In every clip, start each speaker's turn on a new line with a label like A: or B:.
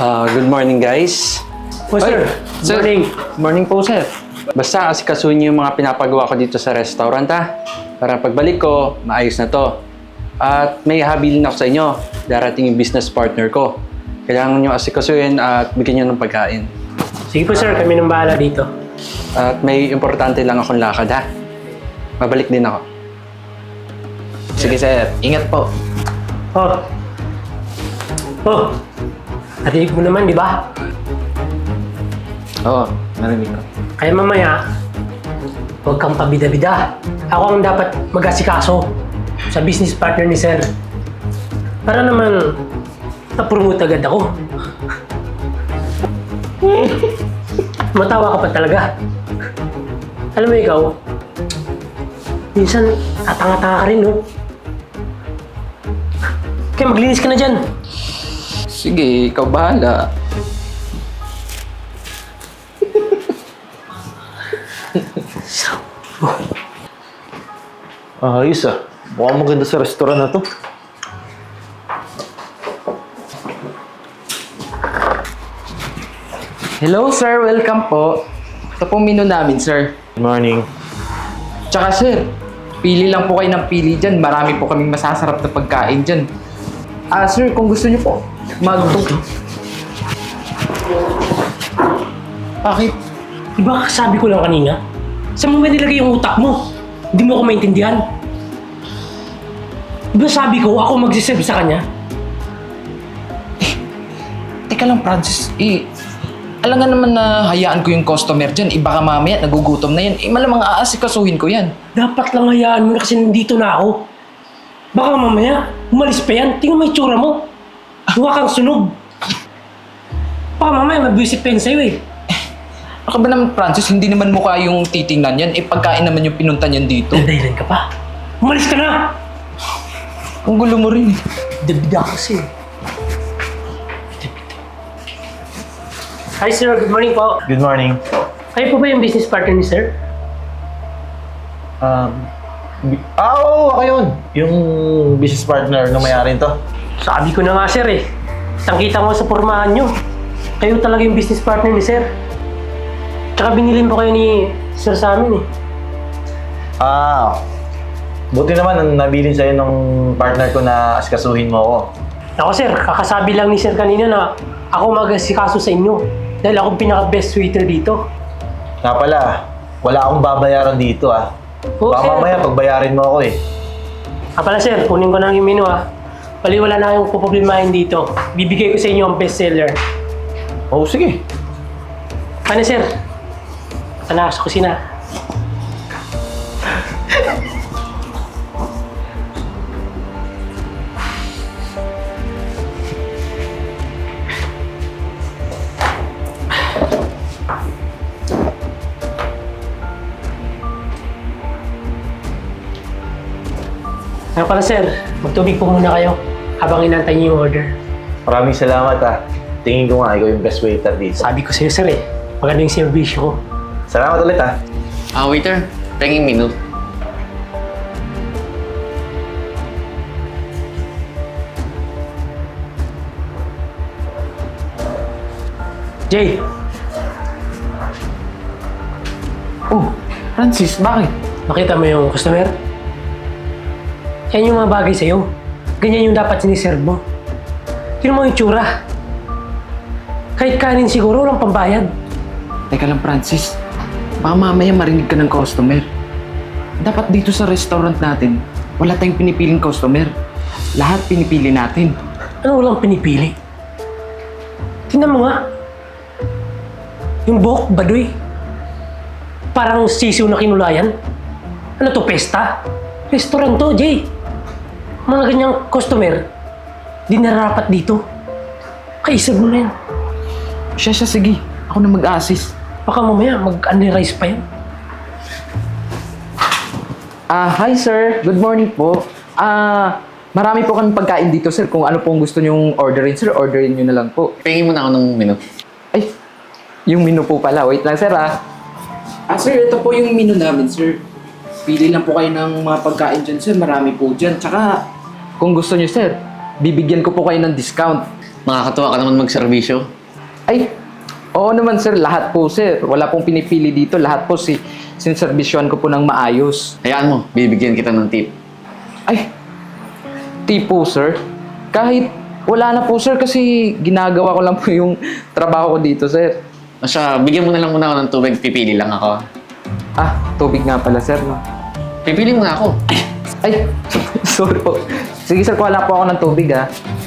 A: Good morning, guys.
B: Po, sir.
A: Sir.
B: Morning.
A: Morning po, sir. Basta asikasuhin niyo yung mga pinapagawa ko dito sa restaurant, ha? Para pagbalik ko, maayos na to. At may habilin ako sa inyo. Darating yung business partner ko. Kailangan niyo asikasuhin at bigyan niyo ng pagkain.
B: Sige po, sir. Kami nang bahala dito.
A: At may importante lang akong lakad, ha? Mabalik din ako.
C: Sige sir, ingat po.
B: Oh. Oh. Natinig mo naman, di ba?
C: Oo, narinig ko.
B: Kaya mamaya, huwag kang pabida-bida. Ako ang dapat mag-asikaso sa business partner ni sir. Para naman, na-promote agad ako. Matawa ka pa talaga. Alam mo ikaw, minsan tatanga-tanga ka rin, no? Kaya maglinis ka na dyan.
C: Sige, ikaw bahala.
D: Ayos ah. Mukhang maganda sa restaurant na to.
C: Hello sir, welcome po. Ito pong menu namin sir.
D: Good morning.
C: Tsaka sir, pili lang po kayo ng pili dyan. Marami po kaming masasarap na pagkain dyan. Sir, kung gusto niyo po,
B: Bakit? Di ba sabi ko lang kanina? Saan mo ba nilagay yung utak mo? Hindi mo ako maintindihan. Di ba sabi ko ako magsiserve sa kanya?
C: Teka lang Francis, alam nga naman na hayaan ko yung customer dyan. Baka mamaya nagugutom na yan. Malamang aasikasuhin ko yan.
B: Dapat lang hayaan mo na kasi nandito na ako. Baka mamaya, umalis pa yan. Tingnan mo yung tsura mo. Mukha kang sunog. Baka mamaya mabwisit pa yan sa'yo eh.
C: Baka ba naman Francis, hindi naman mukha yung titingnan yan. Pagkain naman yung pinunta niyan dito.
B: Nandahilan ka pa. Umalis ka na!
C: Ang gulo mo rin eh.
B: Dabida kasi. Hi sir, good morning po.
D: Good morning.
B: Kayo po ba yung business partner ni sir?
D: Oo, ako yun. Yung business partner na may-ari to.
B: Sabi ko na nga sir eh. Kitang-kita mo sa pormahan nyo. Kayo talaga yung business partner ni sir. Tsaka binilin po kayo ni sir sa amin eh.
D: Buti naman ang nabilin sa'yo ng partner ko na asikasuhin mo ako.
B: Ako sir, kakasabi lang ni sir kanina na ako mag-asikaso sa inyo. Dahil ako pinaka-best waiter dito.
D: Nga pala, wala akong babayaran dito ah.
B: Oo,
D: Baka
B: sir.
D: mamaya pagbayarin mo ako eh.
B: Pala sir, kunin ko na yung menu ah. Pali wala na kayong puproblemahin dito. Bibigay ko sa inyo ang best seller.
D: Oo, sige.
B: Ano sir? Tala sa kusina. Ano pala sir, magtubig po muna kayo habang inantay niyo yung order.
D: Maraming salamat ah. Tingin ko nga ikaw yung best waiter dito.
B: Sabi ko sa'yo sir eh, maganda yung servisyo ko.
D: Salamat ulit ah.
E: Waiter, penging menu.
B: Jay,
C: Oh, Francis, bakit?
B: nakita mo yung customer? Yan yung mga bagay sa'yo. Ganyan yung dapat siniserve mo. Tignan mo yung tsura. Kahit kanin siguro, walang pambayad.
C: Teka lang Francis, baka mamaya marinig ka ng customer. Dapat dito sa restaurant natin, wala tayong pinipiling customer. Lahat pinipili natin.
B: Ano walang pinipili? Tingnan mo nga. Yung buhok, baduy. Parang sisiw na kinulayan. Ano to, pesta? Restaurant to, Jay. Mga ganyang customer, di nararapat dito. Kaisag mo na yan.
C: Siya, sige. Ako na mag-assist.
B: Baka mamaya mag-unrice pa yan.
C: Hi sir. Good morning po. Marami po kami pagkain dito sir. Kung ano pong gusto nyong orderin sir, orderin nyo na lang po.
E: Pengin mo na ako ng menu.
C: Ay, yung menu po pala. Wait lang sir sir, ito po yung menu namin sir. Pili lang po kayo ng mga pagkain dyan sir. Marami po dyan. Tsaka, kung gusto nyo sir, bibigyan ko po kayo ng discount.
E: Nakakatuwa ka naman magserbisyo.
C: Ay, oo naman sir, lahat po sir. Wala pong pinipili dito, lahat po sinservisyohan ko po ng maayos.
E: Hayaan mo, bibigyan kita ng tip.
C: Ay, tipo sir. Kahit wala na po sir kasi ginagawa ko lang po yung trabaho ko dito sir.
E: Basta, bigyan mo na lang muna ako ng tubig, pipili lang ako.
C: Ah, tubig nga pala sir no.
E: Pipili mo nga ako.
C: Ay, sorry po. Sige sir, kuha lang po ako ng tubig ah.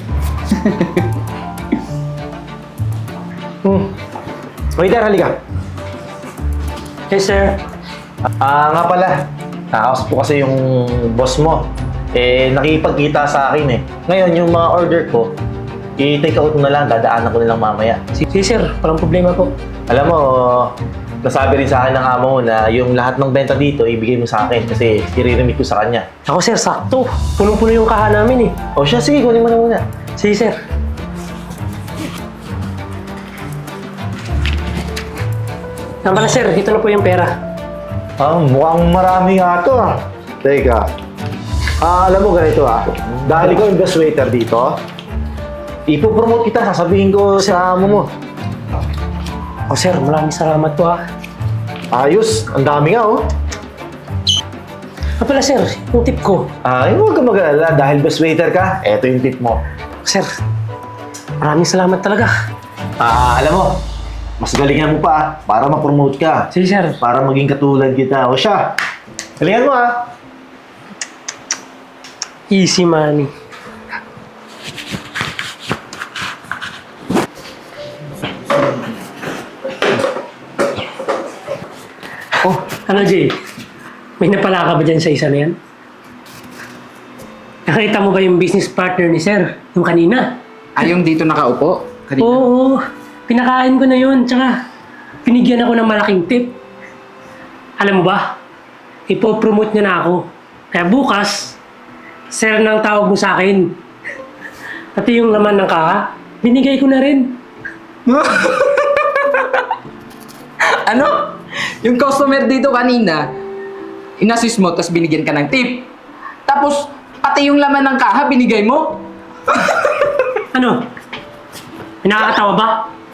D: Waiter, halika.
B: Yes, sir.
D: Nga pala. Nakaus po kasi yung boss mo. Nakipagkita sa akin eh. Ngayon, yung mga order ko, i-take out mo na lang, dadaanan ko na lang mamaya.
B: Sige, sir. Walang problema po.
D: Alam mo, nasabi rin sa akin ng amo mo na yung lahat ng benta dito, ibigay mo sa akin kasi i-remit ko sa kanya.
B: Ako, sir, sakto. Punong-puno yung kaha namin eh.
D: O siya, sige, kunin mo na muna.
B: Sige, sir. Yan pala, sir. Ito na po yung pera.
D: Mukhang marami nga ito ah. Teka. Alam mo ganito ah. Dahil ikaw yung best waiter dito, ipopromote kita, sasabihin ko sa amo mo.
B: Oh, sir. Maraming salamat po, ah.
D: Ayos, ang dami nga oh.
B: Pala, sir. Yung tip ko.
D: Huwag ka mag-alala, dahil best waiter ka, eto yung tip mo.
B: Sir, maraming salamat talaga.
D: Alam mo, mas galingan mo pa para ma-promote ka.
B: Sige, sir.
D: Para maging katulad kita. O siya, galingan mo ah.
B: Easy money. Oh, ano, Jay? May napala ka ba dyan sa isa na yan? Nakita mo ba yung business partner ni sir? Yung kanina?
C: Ay, yung dito nakaupo? Kanina.
B: Oo, pinakain ko na yun. Tsaka, binigyan ako ng malaking tip. Alam mo ba? Ipopromote niya na ako. Kaya bukas, sir nang tawag mo sa akin. Pati yung laman ng kaha, binigay ko na rin.
C: Ano? Yung customer dito kanina, inassist mo, tapos binigyan ka ng tip. Tapos, pati yung laman ng kaha, binigay mo?
B: Ano? May nakakatawa ba?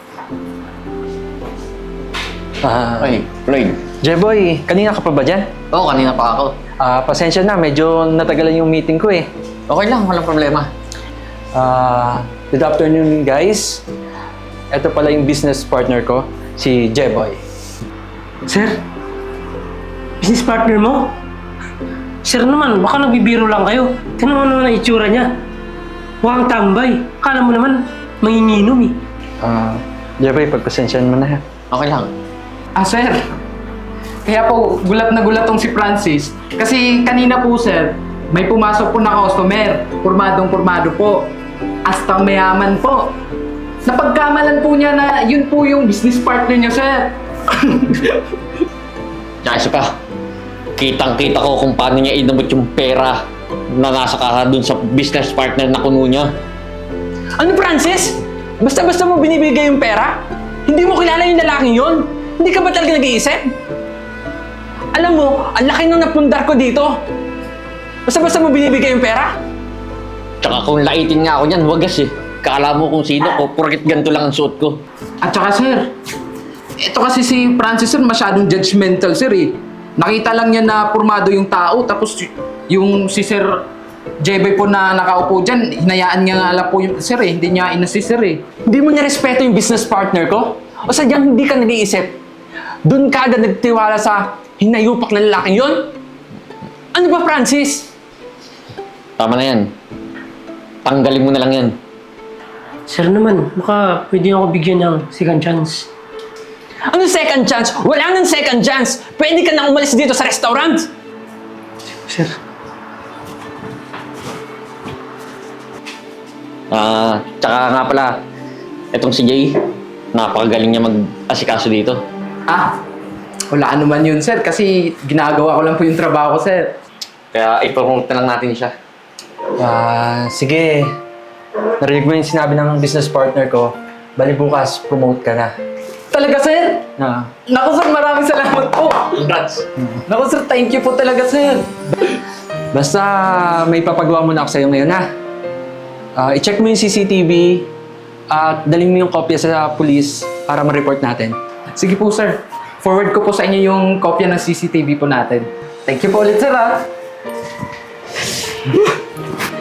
E: Ay, Floyd.
A: Jeboy, kanina ka pa ba dyan?
E: Oo, kanina pa ako.
A: Pasensya na, medyo natagalan yung meeting ko eh.
E: Okay lang, walang problema.
A: Good afternoon guys. Ito pala yung business partner ko, si Jeboy.
B: Sir? Business partner mo? Sir naman, baka nagbibiro lang kayo. Tingnan mo naman ang itsura niya. Mukhang tambay. Akala mo naman, manginginom eh.
A: Jeboy, pagpasensyahan mo na ha.
E: Okay lang.
C: Sir. Kaya po, gulat na gulat tong si Francis. Kasi kanina po, sir, may pumasok po na customer. Pormadong-pormado po. Hasta mayaman po. Napagkamalan po niya na yun po yung business partner niya, sir.
E: Tsaka isa pa, kitang-kita ko kung paano niya inabot yung pera na nasa kaha dun sa business partner na kuno niya.
A: Ano Francis? Basta-basta mo binibigay yung pera? Hindi mo kilala yung lalaking yon? Hindi ka ba talaga nag-iisip? Alam mo, ang laki nung napundar ko dito. Basta-basta mo binibigay yung pera?
E: Tsaka kung laitin nga ako niyan, wagas eh. Kala mo kung sino ko, porkit ganito lang ang suot ko.
C: At saka, sir, ito kasi si Francis, sir, masyadong judgmental, sir, eh. Nakita lang niya na pormado yung tao, tapos yung si Sir Jeboy po na nakaupo dyan, hinayaan niya nga lang po yung sir, eh. Hindi niya inassist, sir, eh.
A: Hindi mo nirespeto yung business partner ko? O sadyang hindi ka nag-iisip? Doon ka agad nagtiwala sa hinayupak na lalaking yon? Ano ba, Francis?
E: Tama na yan. Tanggalin mo na lang yan.
B: Sir naman, baka pwede ako bigyan ng second chance.
A: Ano second chance? Wala nang second chance! Pwede ka na umalis dito sa restaurant!
B: Sir,
E: Tsaka nga pala, etong si Jay, napakagaling niya mag-asikaso dito.
C: Wala naman yun, sir, kasi ginagawa ko lang po yung trabaho ko, sir.
E: Kaya i-promote na lang natin siya.
A: Sige. Narinig mo yung sinabi ng business partner ko. Bali bukas, promote ka na.
C: Talaga, sir? Naku, sir, maraming salamat po.
E: Congrats!
C: Naku, sir, thank you po talaga, sir.
A: Basta may papagawa muna ako sa'yo ngayon ha. I-check mo yung CCTV At dalhin mo yung kopya sa police para ma-report natin.
C: Sige po, sir. Forward ko po sa inyo yung kopya ng CCTV po natin. Thank you po ulit, sir,